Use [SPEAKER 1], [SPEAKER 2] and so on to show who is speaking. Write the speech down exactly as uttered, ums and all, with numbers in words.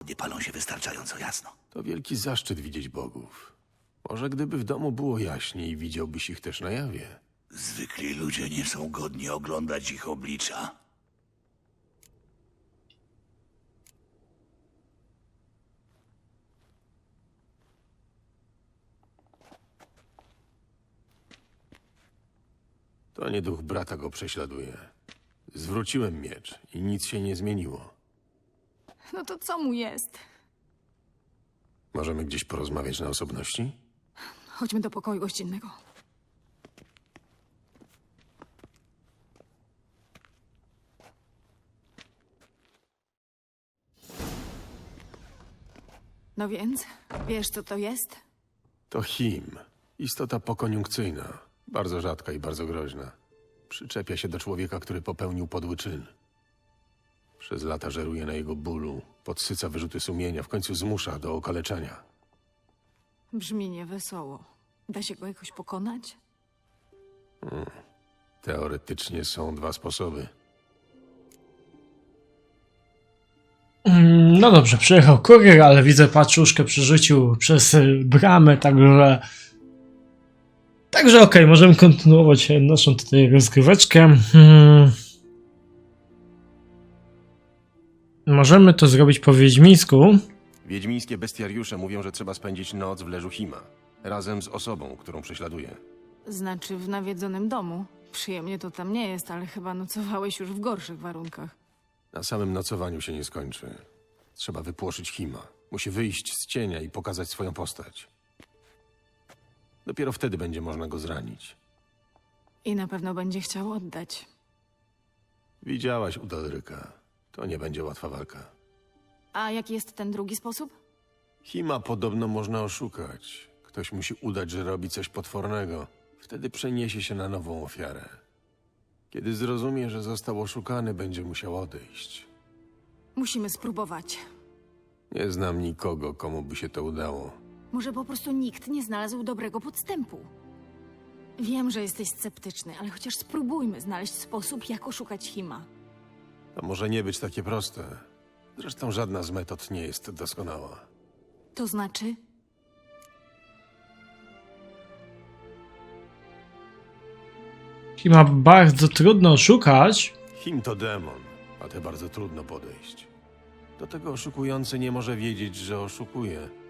[SPEAKER 1] pochodnie palą się wystarczająco jasno.
[SPEAKER 2] To wielki zaszczyt widzieć bogów. Może gdyby w domu było jaśniej, widziałbyś ich też na jawie.
[SPEAKER 1] Zwykli ludzie nie są godni oglądać ich oblicza.
[SPEAKER 2] To nie duch brata go prześladuje. Zwróciłem miecz i nic się nie zmieniło.
[SPEAKER 3] No to co mu jest?
[SPEAKER 2] Możemy gdzieś porozmawiać na osobności?
[SPEAKER 3] Chodźmy do pokoju gościnnego. No więc, wiesz co to jest?
[SPEAKER 2] To Him. Istota pokoniunkcyjna. Bardzo rzadka i bardzo groźna. Przyczepia się do człowieka, który popełnił podły czyn. Przez lata żeruje na jego bólu, podsyca wyrzuty sumienia, w końcu zmusza do okaleczania.
[SPEAKER 3] Brzmi niewesoło. Da się go jakoś pokonać?
[SPEAKER 2] Teoretycznie są dwa sposoby.
[SPEAKER 4] Mm, No dobrze, przyjechał kurier, ale widzę paczuszkę przerzucił przez y, bramę, także... Także okej, możemy kontynuować e, naszą tutaj rozgryweczkę. Hmm. Możemy to zrobić po wiedźmińsku.
[SPEAKER 2] Wiedźmińskie bestiariusze mówią, że trzeba spędzić noc w leżu Hima. Razem z osobą, którą prześladuje.
[SPEAKER 3] Znaczy w nawiedzonym domu. Przyjemnie to tam nie jest, ale chyba nocowałeś już w gorszych warunkach.
[SPEAKER 2] Na samym nocowaniu się nie skończy. Trzeba wypłoszyć Hima. Musi wyjść z cienia i pokazać swoją postać. Dopiero wtedy będzie można go zranić.
[SPEAKER 3] I na pewno będzie chciał oddać.
[SPEAKER 2] Widziałaś u Dalryka. To nie będzie łatwa walka.
[SPEAKER 3] A jaki jest ten drugi sposób?
[SPEAKER 2] Hima podobno można oszukać. Ktoś musi udać, że robi coś potwornego. Wtedy przeniesie się na nową ofiarę. Kiedy zrozumie, że został oszukany, będzie musiał odejść.
[SPEAKER 3] Musimy spróbować.
[SPEAKER 2] Nie znam nikogo, komu by się to udało.
[SPEAKER 3] Może po prostu nikt nie znalazł dobrego podstępu. Wiem, że jesteś sceptyczny, ale chociaż spróbujmy znaleźć sposób, jak oszukać Hima.
[SPEAKER 2] To może nie być takie proste. Zresztą żadna z metod nie jest doskonała.
[SPEAKER 3] To znaczy?
[SPEAKER 4] Hima bardzo trudno oszukać.
[SPEAKER 2] Him to demon, a te bardzo trudno podejść. Do tego oszukujący nie może wiedzieć, że oszukuje.